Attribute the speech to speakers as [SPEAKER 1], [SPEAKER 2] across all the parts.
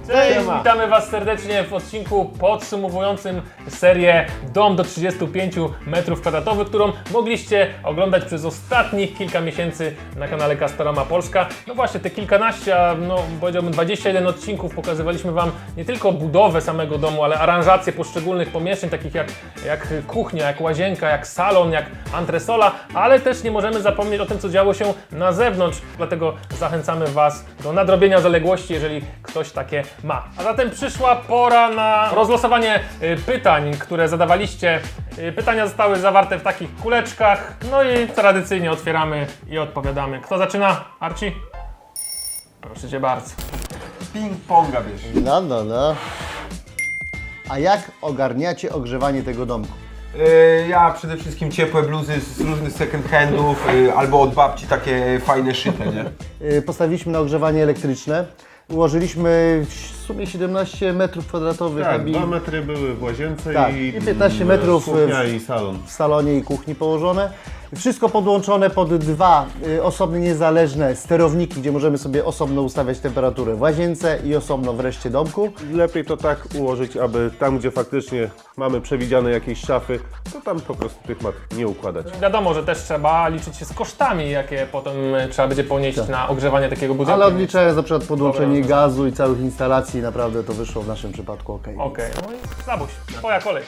[SPEAKER 1] Cześć, witamy Was serdecznie w odcinku podsumowującym serię Dom do 35 m2, którą mogliście oglądać przez ostatnich kilka miesięcy na kanale Castorama Polska. No właśnie, te kilkanaście, powiedziałbym 21 odcinków pokazywaliśmy Wam nie tylko budowę samego domu, ale aranżację poszczególnych pomieszczeń, takich jak kuchnia, jak łazienka, jak salon, jak antresola, ale też nie możemy zapomnieć o tym, co działo się na zewnątrz, dlatego zachęcamy Was do nadrobienia zaległości, jeżeli ktoś takie ma. A zatem przyszła pora na rozlosowanie pytań, które zadawaliście. Pytania zostały zawarte w takich kuleczkach, no i tradycyjnie otwieramy i odpowiadamy. Kto zaczyna? Arci? Proszę Cię bardzo.
[SPEAKER 2] Ping-ponga bierz.
[SPEAKER 3] No. A jak ogarniacie ogrzewanie tego domku?
[SPEAKER 2] Ja przede wszystkim ciepłe bluzy z różnych second handów albo od babci takie fajne szyte, nie?
[SPEAKER 3] Postawiliśmy na ogrzewanie elektryczne. Ułożyliśmy w sumie 17 m2.
[SPEAKER 4] Tak, 2 metry były w łazience
[SPEAKER 3] Tak, i 15 metrów
[SPEAKER 4] kuchnia i salon.
[SPEAKER 3] w salonie i kuchni położone. Wszystko podłączone pod dwa osobne, niezależne sterowniki, gdzie możemy sobie osobno ustawiać temperaturę w łazience i osobno w reszcie domku.
[SPEAKER 4] Lepiej to tak ułożyć, aby tam, gdzie faktycznie mamy przewidziane jakieś szafy, to tam po prostu tych mat nie układać.
[SPEAKER 1] Wiadomo, że też trzeba liczyć się z kosztami, jakie potem trzeba będzie ponieść na ogrzewanie takiego budynku.
[SPEAKER 3] Ale odliczając na przykład podłączenie
[SPEAKER 1] Dobra,
[SPEAKER 3] gazu i całych instalacji, naprawdę to wyszło w naszym przypadku ok.
[SPEAKER 1] Okej, no i Zabuś, twoja kolej.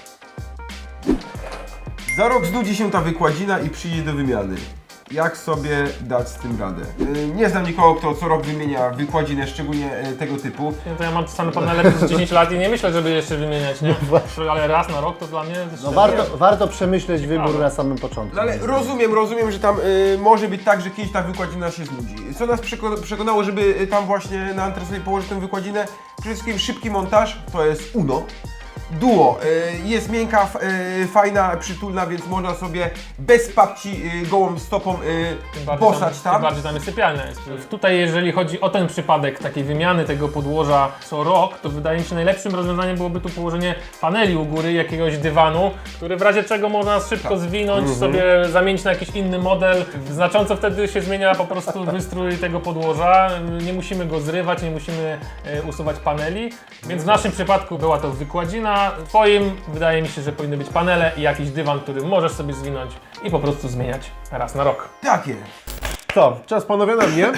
[SPEAKER 2] Za rok znudzi się ta wykładzina i przyjdzie do wymiany. Jak sobie dać z tym radę? Nie znam nikogo, kto co rok wymienia wykładzinę, szczególnie tego typu.
[SPEAKER 1] No to ja mam same panele przez 10 lat i nie myślę, żeby jeszcze wymieniać, nie? Ale raz na rok to dla mnie...
[SPEAKER 3] No warto przemyśleć wybór na samym początku.
[SPEAKER 2] No ale rozumiem, że tam może być tak, że kiedyś ta wykładzina się znudzi. Co nas przekonało, żeby tam właśnie na antresoli położyć tę wykładzinę? Przede wszystkim szybki montaż, to jest Uno. Duo, jest miękka, fajna, przytulna, więc można sobie bez papci gołą stopą bosać
[SPEAKER 1] Tym
[SPEAKER 2] tam.
[SPEAKER 1] bardziej tam jest sypialnia. Tutaj jeżeli chodzi o ten przypadek takiej wymiany tego podłoża co rok, to wydaje mi się najlepszym rozwiązaniem byłoby tu położenie paneli u góry, jakiegoś dywanu, który w razie czego można szybko zwinąć, sobie zamienić na jakiś inny model. Znacząco wtedy się zmienia po prostu wystrój tego podłoża. Nie musimy go zrywać, nie musimy usuwać paneli, więc w naszym przypadku była to wykładzina. W twoim wydaje mi się, że powinny być panele i jakiś dywan, który możesz sobie zwinąć i po prostu zmieniać raz na rok.
[SPEAKER 2] Takie.
[SPEAKER 4] Co? Czas panowie na mnie?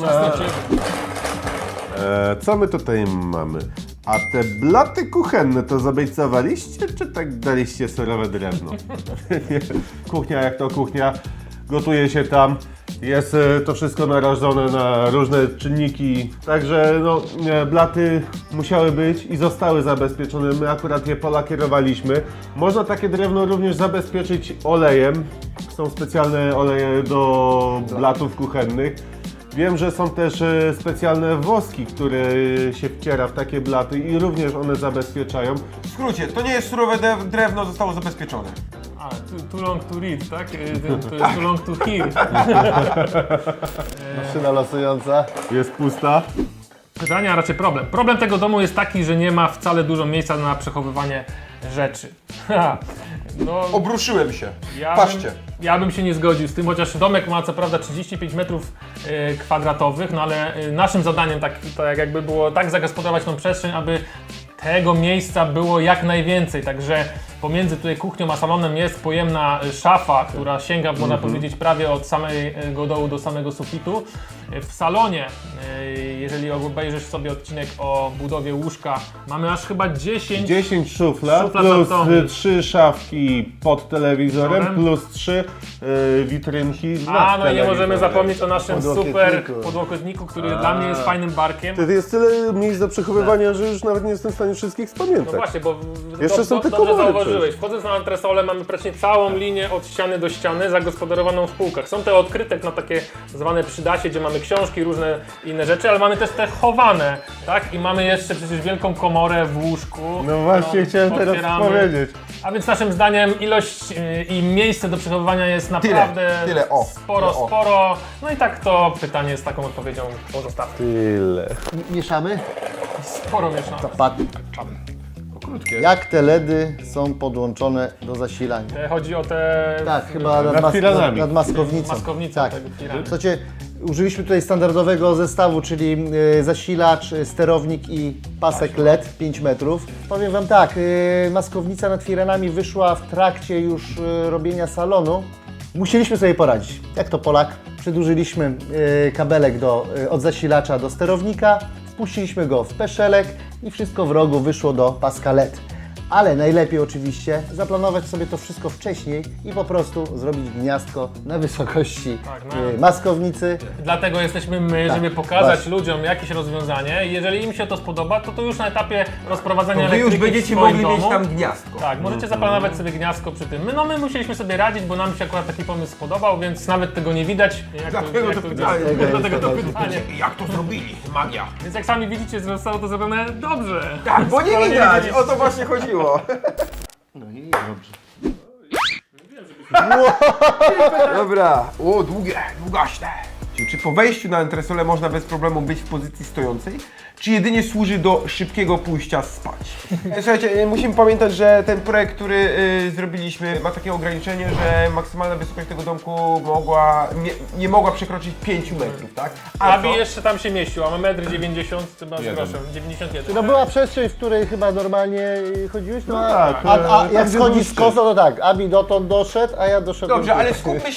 [SPEAKER 4] Co my tutaj mamy? A te blaty kuchenne to zabejcowaliście, czy tak daliście surowe drewno? Kuchnia jak to kuchnia, gotuje się tam, jest to wszystko narażone na różne czynniki, także no, blaty musiały być i zostały zabezpieczone, my akurat je polakierowaliśmy. Można takie drewno również zabezpieczyć olejem, są specjalne oleje do blatów kuchennych. Wiem, że są też specjalne woski, które się wciera w takie blaty i również one zabezpieczają.
[SPEAKER 2] W skrócie, to nie jest surowe drewno, zostało zabezpieczone.
[SPEAKER 1] A, too long to read, tak? To jest too long to hear.
[SPEAKER 3] Maszyna losująca.
[SPEAKER 4] Jest pusta.
[SPEAKER 1] Pytanie, a raczej problem. Problem tego domu jest taki, że nie ma wcale dużo miejsca na przechowywanie rzeczy. No,
[SPEAKER 2] Obruszyłem się.
[SPEAKER 1] Patrzcie. Ja bym się nie zgodził z tym, chociaż domek ma co prawda 35 metrów kwadratowych, no ale naszym zadaniem tak jakby było tak zagospodarować tą przestrzeń, aby tego miejsca było jak najwięcej, także pomiędzy tutaj kuchnią a salonem jest pojemna szafa, która sięga, można powiedzieć, prawie od samego dołu do samego sufitu. W salonie, jeżeli obejrzysz sobie odcinek o budowie łóżka, mamy aż chyba 10
[SPEAKER 4] szuflad plus 3 szafki pod telewizorem, plus 3 witrynki nad
[SPEAKER 1] no i nie możemy
[SPEAKER 4] telewizorem.
[SPEAKER 1] zapomnieć o naszym super
[SPEAKER 3] Podłokietniku.
[SPEAKER 1] podłokietniku, który dla mnie jest fajnym barkiem.
[SPEAKER 4] To jest tyle miejsc do przechowywania, że już nawet nie jestem w stanie wszystkich
[SPEAKER 1] No
[SPEAKER 4] spamiętać.
[SPEAKER 1] właśnie, bo
[SPEAKER 4] Jeszcze są te
[SPEAKER 1] dobrze
[SPEAKER 4] komory
[SPEAKER 1] zauważyłeś.
[SPEAKER 4] przecież.
[SPEAKER 1] Wchodząc na antresolę mamy praktycznie całą linię od ściany do ściany zagospodarowaną w półkach. Są te odkryte na takie zwane przydasie, gdzie mamy książki, różne inne rzeczy, ale mamy też te chowane, tak? I mamy jeszcze przecież wielką komorę w łóżku.
[SPEAKER 4] No właśnie chciałem teraz
[SPEAKER 1] otwieramy.
[SPEAKER 4] powiedzieć.
[SPEAKER 1] A więc naszym zdaniem ilość i miejsce do przechowywania jest naprawdę
[SPEAKER 2] tyle, o,
[SPEAKER 1] sporo. No i tak to pytanie z taką odpowiedzią pozostawmy.
[SPEAKER 4] Tyle.
[SPEAKER 3] Mieszamy?
[SPEAKER 1] Sporo mieszane.
[SPEAKER 2] Krótkie.
[SPEAKER 3] Jak te LEDy są podłączone do zasilania?
[SPEAKER 1] Chodzi o te...
[SPEAKER 3] Tak, chyba
[SPEAKER 4] Nad firanami.
[SPEAKER 3] nad maskownicą.
[SPEAKER 1] Maskownicą
[SPEAKER 3] Tak.
[SPEAKER 1] tego firmy.
[SPEAKER 3] Słuchajcie, Użyliśmy tutaj standardowego zestawu, czyli zasilacz, sterownik i pasek LED 5 metrów. Powiem Wam tak, maskownica nad firanami wyszła w trakcie już robienia salonu. Musieliśmy sobie poradzić. Jak to Polak? Przedłużyliśmy kabelek od zasilacza do sterownika, wpuściliśmy go w peszelek i wszystko w rogu wyszło do paska LED. Ale najlepiej oczywiście zaplanować sobie to wszystko wcześniej i po prostu zrobić gniazdko na wysokości maskownicy.
[SPEAKER 1] Dlatego jesteśmy my,
[SPEAKER 3] Tak,
[SPEAKER 1] żeby pokazać
[SPEAKER 3] właśnie.
[SPEAKER 1] ludziom jakieś rozwiązanie. Jeżeli im się to spodoba, to już na etapie rozprowadzania
[SPEAKER 2] To wy już
[SPEAKER 1] elektryki
[SPEAKER 2] będziecie
[SPEAKER 1] w swoim
[SPEAKER 2] mogli
[SPEAKER 1] domu,
[SPEAKER 2] mieć tam gniazdko.
[SPEAKER 1] Tak, możecie zaplanować sobie gniazdko przy tym. My musieliśmy sobie radzić, bo nam się akurat taki pomysł spodobał, więc nawet tego nie widać.
[SPEAKER 2] Dlatego to pytanie.
[SPEAKER 1] Dlatego to pytanie.
[SPEAKER 2] Jak to zrobili? Magia.
[SPEAKER 1] Więc jak sami widzicie, zostało to zrobione dobrze.
[SPEAKER 2] Tak, bo nie widać, o to właśnie chodziło. Dobra, długaśne. Czy po wejściu na entresolę można bez problemu być w pozycji stojącej, czy jedynie służy do szybkiego pójścia spać? Słuchajcie, musimy pamiętać, że ten projekt, który zrobiliśmy, ma takie ograniczenie, że maksymalna wysokość tego domku nie mogła przekroczyć 5 metrów, tak?
[SPEAKER 1] Abi jeszcze tam się mieścił, a mamy 1,90 m chyba z groszem, 91.
[SPEAKER 3] To była przestrzeń, w której chyba normalnie chodziłeś? No,
[SPEAKER 4] tak,
[SPEAKER 3] A
[SPEAKER 4] tam,
[SPEAKER 3] jak
[SPEAKER 4] gdzie
[SPEAKER 3] schodzisz
[SPEAKER 4] był
[SPEAKER 3] z kosa, to tak, Abi dotąd doszedł, a ja doszedłem.
[SPEAKER 2] Dobrze, ale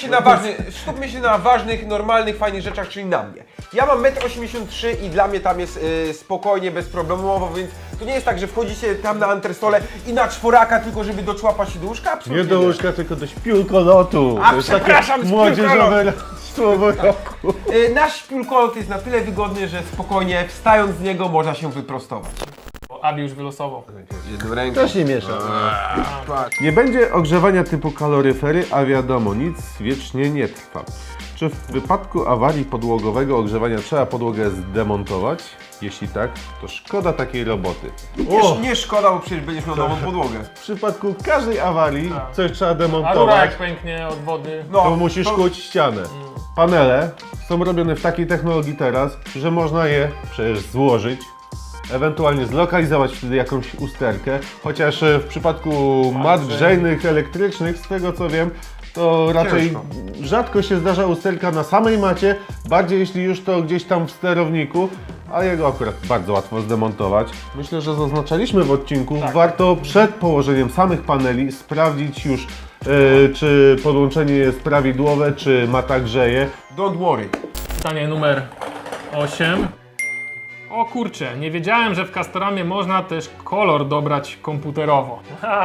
[SPEAKER 2] skupmy się na ważnych, normalnych, fajnych rzeczach, czyli na mnie. Ja mam 1,83 m i dla mnie tam jest spokojnie, bezproblemowo, więc to nie jest tak, że wchodzicie tam na antresolę i na czworaka tylko, żeby doczłapać się do łóżka.
[SPEAKER 4] Nie
[SPEAKER 2] Absolutnie
[SPEAKER 4] do łóżka, tylko do śpiulkolotu.
[SPEAKER 2] A,
[SPEAKER 4] To jest
[SPEAKER 2] przepraszam,
[SPEAKER 4] takie młodzieżowe słowo roku.
[SPEAKER 2] Nasz śpiulkolot jest na tyle wygodny, że spokojnie wstając z niego można się wyprostować.
[SPEAKER 1] Abi już wylosował.
[SPEAKER 2] Jedną ręką.
[SPEAKER 3] Też nie miesza.
[SPEAKER 4] Nie będzie ogrzewania typu kaloryfery, a wiadomo, nic wiecznie nie trwa. Czy w wypadku awarii podłogowego ogrzewania trzeba podłogę zdemontować? Jeśli tak, to szkoda takiej roboty.
[SPEAKER 2] Nie szkoda, bo przecież będziesz miał nową podłogę.
[SPEAKER 4] W przypadku każdej awarii coś trzeba
[SPEAKER 1] A rura
[SPEAKER 4] demontować,
[SPEAKER 1] jak pęknie od wody.
[SPEAKER 2] No,
[SPEAKER 4] to musisz kłuć ścianę. Panele są robione w takiej technologii teraz, że można je przecież złożyć, ewentualnie zlokalizować wtedy jakąś usterkę, chociaż w przypadku mat grzejnych, elektrycznych, z tego co wiem, to raczej
[SPEAKER 2] Ciężko.
[SPEAKER 4] rzadko się zdarza usterka na samej macie, bardziej jeśli już to gdzieś tam w sterowniku, a jego akurat bardzo łatwo zdemontować. Myślę, że zaznaczaliśmy w odcinku, warto przed położeniem samych paneli sprawdzić już, czy podłączenie jest prawidłowe, czy mata grzeje.
[SPEAKER 2] Don't worry.
[SPEAKER 1] Pytanie numer 8. O kurczę, nie wiedziałem, że w Castoramie można też kolor dobrać komputerowo.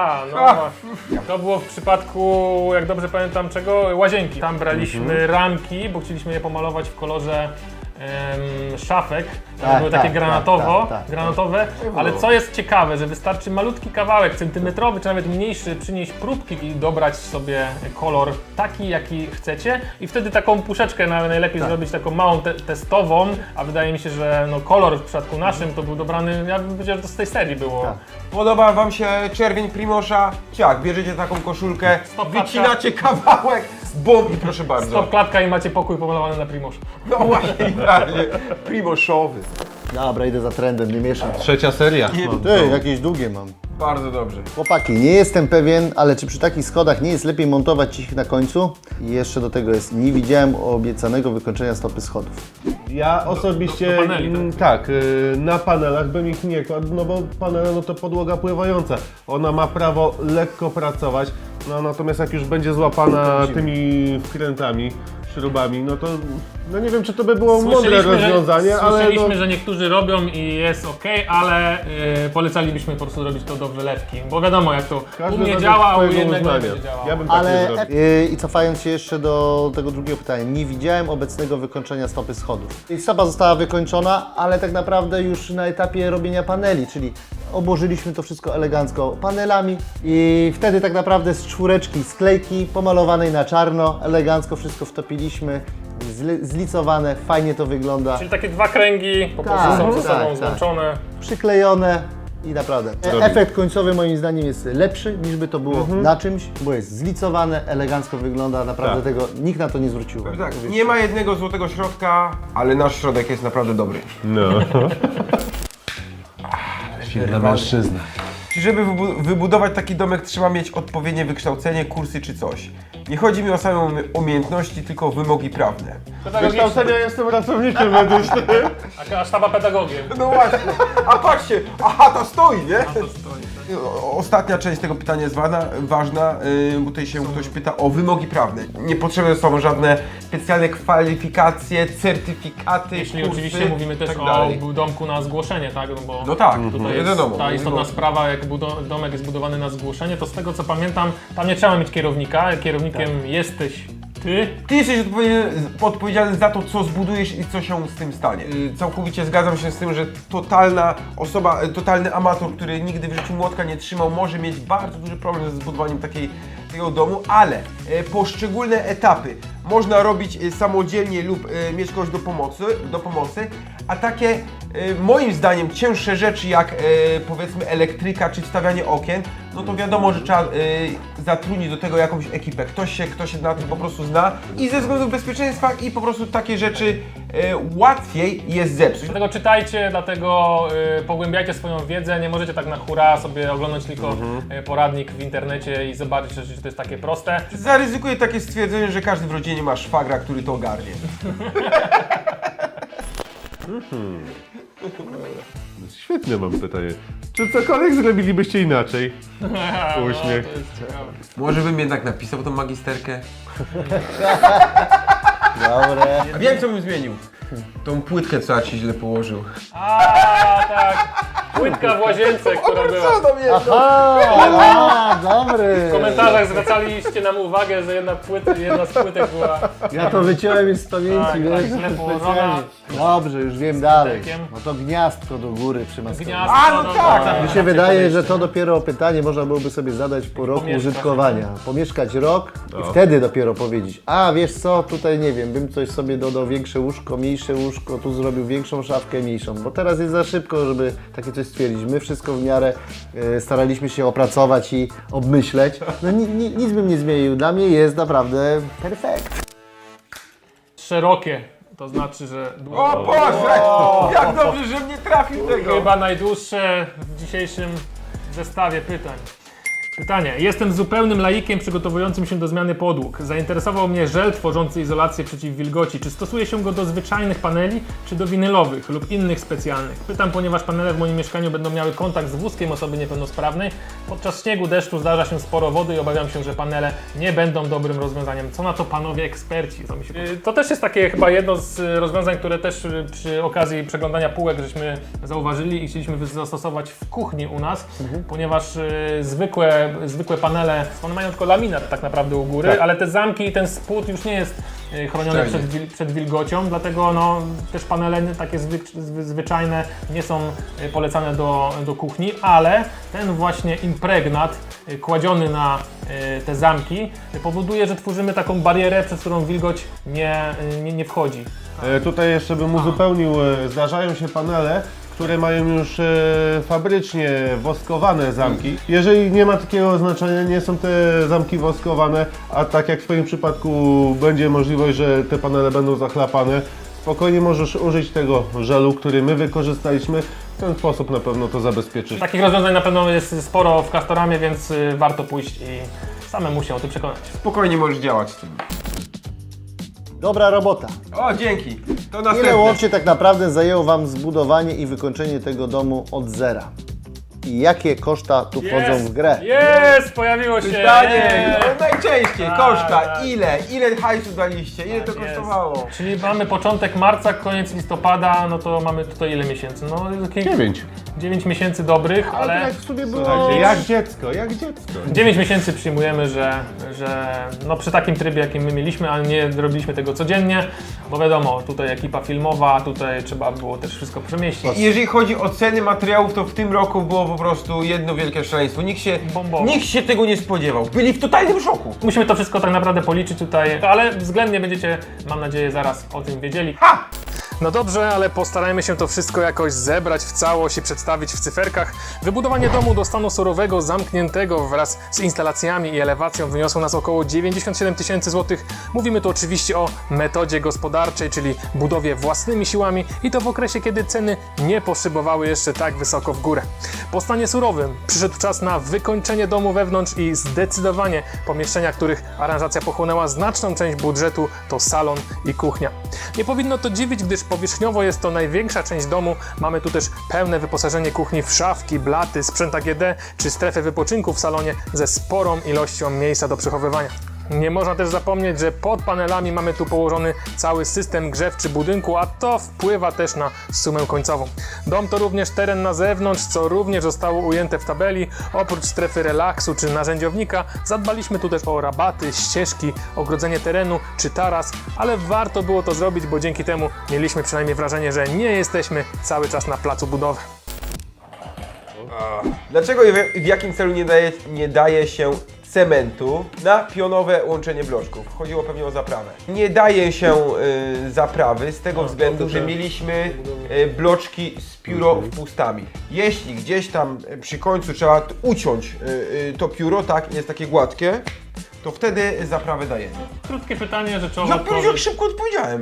[SPEAKER 1] To było w przypadku, jak dobrze pamiętam czego, łazienki. Tam braliśmy ramki, bo chcieliśmy je pomalować w kolorze szafek. One
[SPEAKER 3] Tak,
[SPEAKER 1] były takie
[SPEAKER 3] tak,
[SPEAKER 1] granatowe, ale co jest ciekawe, że wystarczy malutki kawałek, centymetrowy czy nawet mniejszy, przynieść próbki i dobrać sobie kolor taki, jaki chcecie i wtedy taką puszeczkę najlepiej zrobić taką małą testową, a wydaje mi się, że no, kolor w przypadku naszym to był dobrany, ja bym powiedział, że to z tej serii było.
[SPEAKER 3] Tak.
[SPEAKER 2] Podoba wam się czerwień Primosza? Ciak, bierzecie taką koszulkę,
[SPEAKER 1] Stopklatka.
[SPEAKER 2] wycinacie kawałek, bum i proszę bardzo.
[SPEAKER 1] Stop klatka i macie pokój pomalowany na Primoszu.
[SPEAKER 2] No właśnie, idealnie. Primoszowy.
[SPEAKER 3] Dobra, idę za trendem, nie mieszam.
[SPEAKER 4] Trzecia seria.
[SPEAKER 3] Ty, jakieś długie mam.
[SPEAKER 2] Bardzo dobrze.
[SPEAKER 3] Chłopaki, nie jestem pewien, ale czy przy takich schodach nie jest lepiej montować ich na końcu? I jeszcze do tego jest, nie widziałem obiecanego wykończenia stopy schodów.
[SPEAKER 4] Ja osobiście,
[SPEAKER 1] do paneli,
[SPEAKER 4] na panelach bym ich nie kładł, no bo panele no to podłoga pływająca. Ona ma prawo lekko pracować, no natomiast jak już będzie złapana tymi wkrętami, śrubami, no to no nie wiem, czy to by było mądre rozwiązanie, ale
[SPEAKER 1] Słyszeliśmy,
[SPEAKER 4] no,
[SPEAKER 1] że niektórzy robią i jest ok, ale polecalibyśmy po prostu robić to do wylewki, bo wiadomo jak to u
[SPEAKER 4] każdy
[SPEAKER 1] mnie
[SPEAKER 4] według
[SPEAKER 1] działa, a u
[SPEAKER 4] swojego
[SPEAKER 1] jednego nie
[SPEAKER 4] uznania.
[SPEAKER 1] będzie działało.
[SPEAKER 4] Ja bym tak nie
[SPEAKER 3] Ale
[SPEAKER 4] zrobił.
[SPEAKER 3] i cofając się jeszcze do tego drugiego pytania, nie widziałem obecnego wykończenia stopy schodów. I stopa została wykończona, ale tak naprawdę już na etapie robienia paneli, czyli obłożyliśmy to wszystko elegancko panelami i wtedy tak naprawdę z czwóreczki sklejki pomalowanej na czarno, elegancko wszystko wtopiliśmy, zlicowane, fajnie to wygląda,
[SPEAKER 1] Czyli takie dwa kręgi po prostu
[SPEAKER 3] Tak,
[SPEAKER 1] są ze sobą
[SPEAKER 3] tak.
[SPEAKER 1] złączone.
[SPEAKER 3] przyklejone i naprawdę efekt końcowy moim zdaniem jest lepszy niż by to było na czymś, bo jest zlicowane, elegancko wygląda, naprawdę tego nikt na to nie zwrócił uwagi.
[SPEAKER 2] Tak, nie ma jednego złotego środka, ale nasz środek jest naprawdę dobry.
[SPEAKER 4] No. Silna mężczyzna.
[SPEAKER 2] Czy żeby wybudować taki domek trzeba mieć odpowiednie wykształcenie, kursy czy coś? Nie chodzi mi o same umiejętności, tylko o wymogi prawne.
[SPEAKER 4] Wykształcenia jestem pracownikiem medycznym.
[SPEAKER 1] A sztaba pedagogiem.
[SPEAKER 2] No właśnie, a patrzcie, aha, to stoi, nie?
[SPEAKER 1] A to stoi.
[SPEAKER 2] Ostatnia część tego pytania jest ważna, bo tutaj się ktoś pyta o wymogi prawne. Niepotrzebne są żadne specjalne kwalifikacje, certyfikaty,
[SPEAKER 1] Jeśli
[SPEAKER 2] kursy,
[SPEAKER 1] oczywiście mówimy też
[SPEAKER 2] tak
[SPEAKER 1] o
[SPEAKER 2] dalej.
[SPEAKER 1] domku na zgłoszenie, tak? No bo
[SPEAKER 2] No tak,
[SPEAKER 1] tutaj jest
[SPEAKER 2] wiadomo.
[SPEAKER 1] ta istotna sprawa, jak domek jest budowany na zgłoszenie, to z tego co pamiętam, tam nie trzeba mieć kierownika, kierownikiem jesteś ty.
[SPEAKER 2] Ty jesteś odpowiedzialny za to, co zbudujesz i co się z tym stanie. Całkowicie zgadzam się z tym, że totalna osoba, totalny amator, który nigdy w życiu młotka nie trzymał, może mieć bardzo duży problem ze zbudowaniem takiego domu, ale poszczególne etapy można robić samodzielnie lub mieć kogoś do pomocy, a takie moim zdaniem cięższe rzeczy jak powiedzmy elektryka czy wstawianie okien, no to wiadomo, że trzeba zatrudnić do tego jakąś ekipę, ktoś się na tym po prostu zna i ze względów bezpieczeństwa i po prostu takie rzeczy łatwiej jest zepsuć.
[SPEAKER 1] Dlatego czytajcie, dlatego pogłębiajcie swoją wiedzę, nie możecie tak na hura sobie oglądać tylko poradnik w internecie i zobaczyć, że to jest takie proste.
[SPEAKER 2] Zaryzykuję takie stwierdzenie, że każdy w rodzinie ma szwagra, który to ogarnie.
[SPEAKER 4] Świetne mam pytanie. Czy cokolwiek zrobilibyście inaczej? Uśmiech.
[SPEAKER 1] To jest ciekawe.
[SPEAKER 2] Może bym jednak napisał tą magisterkę?
[SPEAKER 3] Dobre.
[SPEAKER 2] A wiem, co bym zmienił. Tą płytkę, co ci źle położył.
[SPEAKER 1] A tak, płytka w łazience, która była.
[SPEAKER 2] Co tam jest?
[SPEAKER 3] Aha, dobry.
[SPEAKER 1] W komentarzach zwracaliście nam uwagę, że jedna z płytek była
[SPEAKER 3] Ja to wyciąłem już z pamięci,
[SPEAKER 1] Tak,
[SPEAKER 3] wiesz,
[SPEAKER 1] tak, źle położona.
[SPEAKER 3] specjalnie. Dobrze, już wiem dalej.
[SPEAKER 1] pytekiem.
[SPEAKER 3] No to gniazdko do góry przy maskownicy.
[SPEAKER 1] gniazdo.
[SPEAKER 2] A, no tak.
[SPEAKER 3] Mi się wydaje, że to dopiero pytanie można byłoby sobie zadać po roku
[SPEAKER 1] Pomieszkać.
[SPEAKER 3] użytkowania. Pomieszkać rok i wtedy dopiero powiedzieć, a wiesz co, tutaj nie wiem, bym coś sobie dodał, większe łóżko, mniejsze łóżko, tu zrobił większą szafkę, mniejszą. Bo teraz jest za szybko, żeby takie coś stwierdzić. My wszystko w miarę staraliśmy się opracować i obmyśleć. No nic bym nie zmienił. Dla mnie jest naprawdę perfekt.
[SPEAKER 1] Szerokie, to znaczy, że
[SPEAKER 2] O Boże! Jak dobrze, że mnie trafił tego!
[SPEAKER 1] chyba najdłuższe w dzisiejszym zestawie pytań. Pytanie. Jestem zupełnym laikiem przygotowującym się do zmiany podłóg. Zainteresował mnie żel tworzący izolację przeciw wilgoci. Czy stosuje się go do zwyczajnych paneli, czy do winylowych lub innych specjalnych? Pytam, ponieważ panele w moim mieszkaniu będą miały kontakt z wózkiem osoby niepełnosprawnej. Podczas śniegu, deszczu zdarza się sporo wody i obawiam się, że panele nie będą dobrym rozwiązaniem. Co na to panowie eksperci? To też jest takie chyba jedno z rozwiązań, które też przy okazji przeglądania półek żeśmy zauważyli i chcieliśmy zastosować w kuchni u nas, ponieważ zwykłe panele, one mają tylko laminat tak naprawdę u góry, ale te zamki i ten spód już nie jest chroniony przed wilgocią, dlatego no, też panele takie zwyczajne nie są polecane do kuchni, ale ten właśnie impregnat kładziony na te zamki powoduje, że tworzymy taką barierę, przez którą wilgoć nie wchodzi.
[SPEAKER 4] Tutaj jeszcze bym uzupełnił, zdarzają się panele, które mają już fabrycznie woskowane zamki. Jeżeli nie ma takiego oznaczenia, nie są te zamki woskowane, a tak jak w Twoim przypadku będzie możliwość, że te panele będą zachlapane, spokojnie możesz użyć tego żelu, który my wykorzystaliśmy. W ten sposób na pewno to zabezpieczysz.
[SPEAKER 1] Takich rozwiązań na pewno jest sporo w Castoramie, więc warto pójść i samemu się o tym przekonać.
[SPEAKER 2] Spokojnie możesz działać z tym.
[SPEAKER 3] Dobra robota.
[SPEAKER 2] O, dzięki. To
[SPEAKER 3] Ile
[SPEAKER 2] następne.
[SPEAKER 3] łącznie tak naprawdę zajęło Wam zbudowanie i wykończenie tego domu od zera? I jakie koszta tu wchodzą w grę?
[SPEAKER 1] Jest! Pojawiło się!
[SPEAKER 2] Pytanie,
[SPEAKER 1] Jest!
[SPEAKER 2] najczęściej,
[SPEAKER 1] Tak,
[SPEAKER 2] koszta,
[SPEAKER 1] tak.
[SPEAKER 2] ile hajsu daliście, ile to
[SPEAKER 1] Tak jest.
[SPEAKER 2] kosztowało?
[SPEAKER 1] Czyli mamy początek marca, koniec listopada, no to mamy tutaj ile miesięcy? No 9 miesięcy dobrych, ale
[SPEAKER 3] jak w sumie było...
[SPEAKER 4] Słuchajcie, jak dziecko, jak dziecko.
[SPEAKER 1] 9 miesięcy przyjmujemy, że no przy takim trybie, jakim my mieliśmy, ale nie robiliśmy tego codziennie, bo wiadomo, tutaj ekipa filmowa, tutaj trzeba było też wszystko przemieścić.
[SPEAKER 2] Jeżeli chodzi o ceny materiałów, to w tym roku było po prostu jedno wielkie szaleństwo.
[SPEAKER 1] Bombowo.
[SPEAKER 2] Nikt się tego nie spodziewał. Byli w totalnym szoku.
[SPEAKER 1] Musimy to wszystko tak naprawdę policzyć tutaj, ale względnie będziecie, mam nadzieję, zaraz o tym wiedzieli.
[SPEAKER 2] Ha!
[SPEAKER 1] No dobrze, ale postarajmy się to wszystko jakoś zebrać w całość i przedstawić w cyferkach. Wybudowanie domu do stanu surowego, zamkniętego wraz z instalacjami i elewacją wyniosło nas około 97 000 złotych. Mówimy tu oczywiście o metodzie gospodarczej, czyli budowie własnymi siłami i to w okresie, kiedy ceny nie poszybowały jeszcze tak wysoko w górę. Po stanie surowym przyszedł czas na wykończenie domu wewnątrz i zdecydowanie pomieszczenia, których aranżacja pochłonęła znaczną część budżetu, to salon i kuchnia. Nie powinno to dziwić, gdyż powierzchniowo jest to największa część domu. Mamy tu też pełne wyposażenie kuchni w szafki, blaty, sprzęt AGD czy strefę wypoczynku w salonie ze sporą ilością miejsca do przechowywania. Nie można też zapomnieć, że pod panelami mamy tu położony cały system grzewczy budynku, a to wpływa też na sumę końcową. Dom to również teren na zewnątrz, co również zostało ujęte w tabeli. Oprócz strefy relaksu czy narzędziownika zadbaliśmy tu też o rabaty, ścieżki, ogrodzenie terenu czy taras, ale warto było to zrobić, bo dzięki temu mieliśmy przynajmniej wrażenie, że nie jesteśmy cały czas na placu budowy.
[SPEAKER 2] Dlaczego i w jakim celu nie daje się cementu na pionowe łączenie bloczków? Chodziło pewnie o zaprawę. Nie daje się zaprawy z tego względu, że mieliśmy bloczki z piórowpustami. Jeśli gdzieś tam przy końcu trzeba uciąć to pióro, tak, jest takie gładkie, to wtedy zaprawę dajemy.
[SPEAKER 1] Krótkie pytanie, rzeczowo
[SPEAKER 2] Jak szybko odpowiedziałem.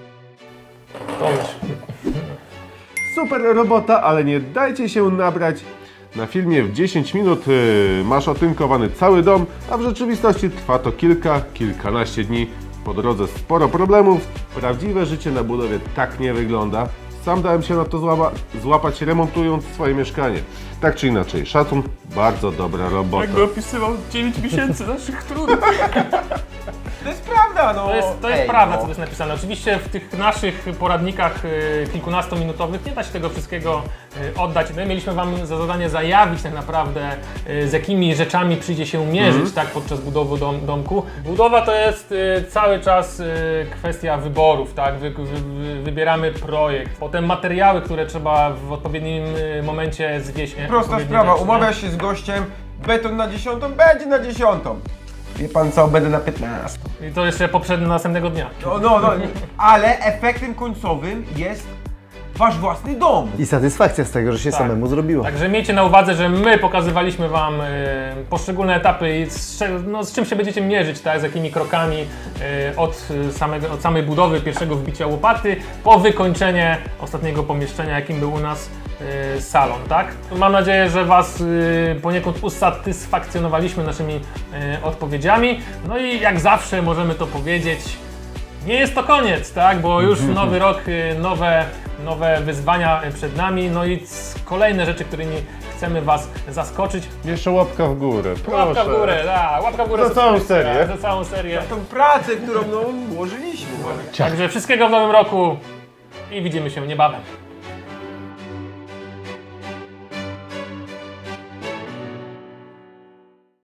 [SPEAKER 4] Super robota, ale nie dajcie się nabrać. Na filmie w 10 minut masz otynkowany cały dom, a w rzeczywistości trwa to kilkanaście dni. Po drodze sporo problemów. Prawdziwe życie na budowie tak nie wygląda. Sam dałem się na to złapać, remontując swoje mieszkanie. Tak czy inaczej, szacun, bardzo dobra robota.
[SPEAKER 1] Jakby opisywał 9 miesięcy naszych trudów.
[SPEAKER 2] To jest prawda, no.
[SPEAKER 1] To jest prawda, co tu jest napisane. Oczywiście w tych naszych poradnikach kilkunastominutowych nie da się tego wszystkiego oddać. My mieliśmy Wam za zadanie zajawić tak naprawdę, z jakimi rzeczami przyjdzie się mierzyć tak, podczas budowy domku. Budowa to jest cały czas kwestia wyborów, tak? Wybieramy projekt, potem materiały, które trzeba w odpowiednim momencie zwieść.
[SPEAKER 2] Prosta sprawa, umawiasz się z gościem, beton na 10, będzie na 10. Wie pan co, będę na 15.
[SPEAKER 1] I to jeszcze następnego dnia.
[SPEAKER 2] No, ale efektem końcowym jest wasz własny dom.
[SPEAKER 3] I satysfakcja z tego, że się
[SPEAKER 1] Tak.
[SPEAKER 3] samemu zrobiło.
[SPEAKER 1] Także miejcie na uwadze, że my pokazywaliśmy Wam poszczególne etapy i z czym się będziecie mierzyć, tak? Z jakimi krokami od samej budowy, pierwszego wbicia łopaty, po wykończenie ostatniego pomieszczenia, jakim był u nas salon, tak? Mam nadzieję, że Was poniekąd usatysfakcjonowaliśmy naszymi odpowiedziami. No i jak zawsze możemy to powiedzieć, nie jest to koniec, tak? Bo już nowy rok, nowe wyzwania przed nami, no i kolejne rzeczy, którymi chcemy Was zaskoczyć.
[SPEAKER 4] Jeszcze łapka w górę, proszę.
[SPEAKER 1] Łapka w górę, łapka w górę.
[SPEAKER 4] Za całą serię.
[SPEAKER 1] Za całą serię.
[SPEAKER 2] Tą pracę, którą włożyliśmy.
[SPEAKER 1] Także wszystkiego w nowym roku i widzimy się niebawem.